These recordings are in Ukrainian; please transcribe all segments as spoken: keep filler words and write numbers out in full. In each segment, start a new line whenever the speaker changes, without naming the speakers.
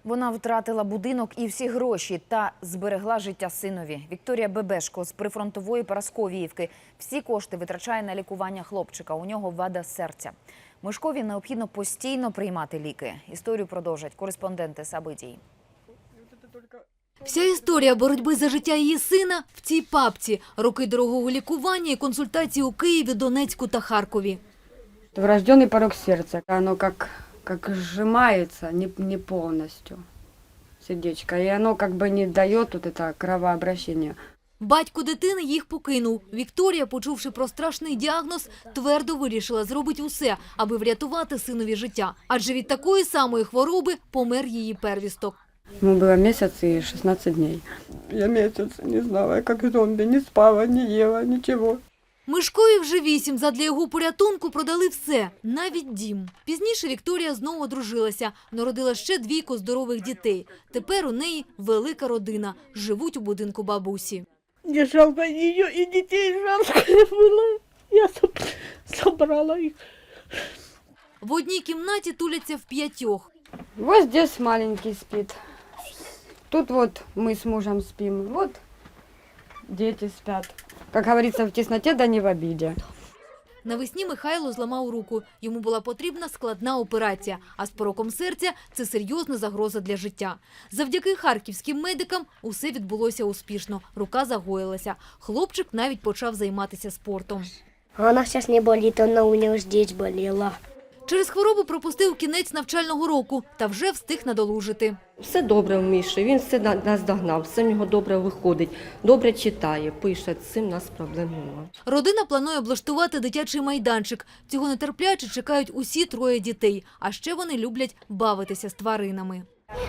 Вона втратила будинок і всі гроші та зберегла життя синові. Вікторія Бебешко з прифронтової Парасковіївки всі кошти витрачає на лікування хлопчика. У нього вада серця. Мишкові необхідно постійно приймати ліки. Історію продовжать кореспонденти Сабитій.
Вся історія боротьби за життя її сина в цій папці. Роки дорогого лікування і консультації у Києві, Донецьку та Харкові.
Врожденный порог сердца. Оно как, как сжимается не, не полностью, сердечко. И оно как бы не дает вот это кровообращение.
Батько дитини їх покинув. Вікторія, почувши про страшний діагноз, твердо вирішила зробити усе, аби врятувати синові життя. Адже від такої самої хвороби помер її первісток.
Ему было месяц и шестнадцать дней. Я месяц не знала, как зомби, не спала, не ела, ничего.
Мишкові вже вісім. Задля його порятунку продали все, навіть дім. Пізніше Вікторія знову одружилася, народила ще двійко здорових дітей. Тепер у неї велика родина, живуть у будинку бабусі.
Мне жалко ее и детей жалко было. Я собрала их.
В одній кімнаті туляться в п'ятьох.
Вот здесь маленький спит. Тут вот мы с мужем спим. Вот дети спят. Как говорится, в тесноте да не в обиде.
Навесні Михайло зламав руку. Йому була потрібна складна операція, а з пороком серця – це серйозна загроза для життя. Завдяки харківським медикам усе відбулося успішно. Рука загоїлася. Хлопчик навіть почав займатися спортом.
Она сейчас не болит, она у нее здесь болела.
Через хворобу пропустив кінець навчального року та вже встиг надолужити.
Все добре в Міші, він все нас догнав, все в нього добре виходить, добре читає, пише, з цим у нас проблем немає.
Родина планує облаштувати дитячий майданчик. Цього нетерпляче чекають усі троє дітей. А ще вони люблять бавитися з тваринами.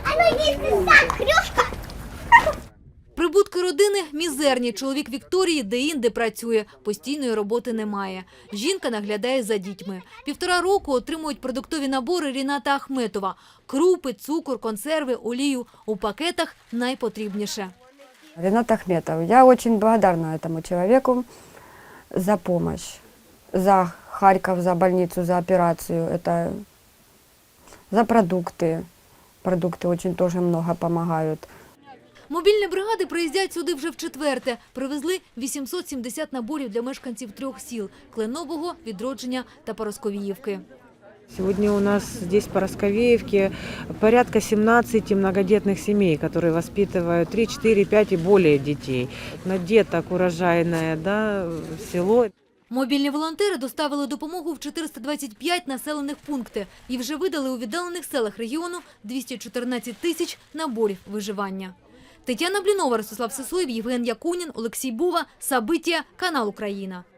Прибутки родини мізерні. Чоловік Вікторії де-інде працює. Постійної роботи немає. Жінка наглядає за дітьми. Півтора року отримують продуктові набори Ріната Ахметова. Крупи, цукор, консерви, олію. У пакетах найпотрібніше.
Ренат Ахметов, я очень благодарна этому человеку за помощь, за Харьков, за больницу, за операцию, это за продукты. Продукты очень тоже много помогают.
Мобільні бригади приїздять сюди вже вчетверте. Привезли вісімсот сімдесят наборів для мешканців трьох сіл – Кленового, Відродження та Парасковіївки.
Сегодня у нас здесь в Парасковеевке порядка семнадцати многодетных семей, которые воспитывают три, четыре, пять и более детей. На деток урожайное, да, село.
Мобільні волонтери доставили допомогу в чотириста двадцять п'ять населених пунктів і вже видали у віддалених селах регіону двісті чотирнадцять тисяч наборів виживання. Тетяна Блінова, Ростислав Сисоєв, Євген Якунін, Олексій Бува, Сабиття, канал Україна.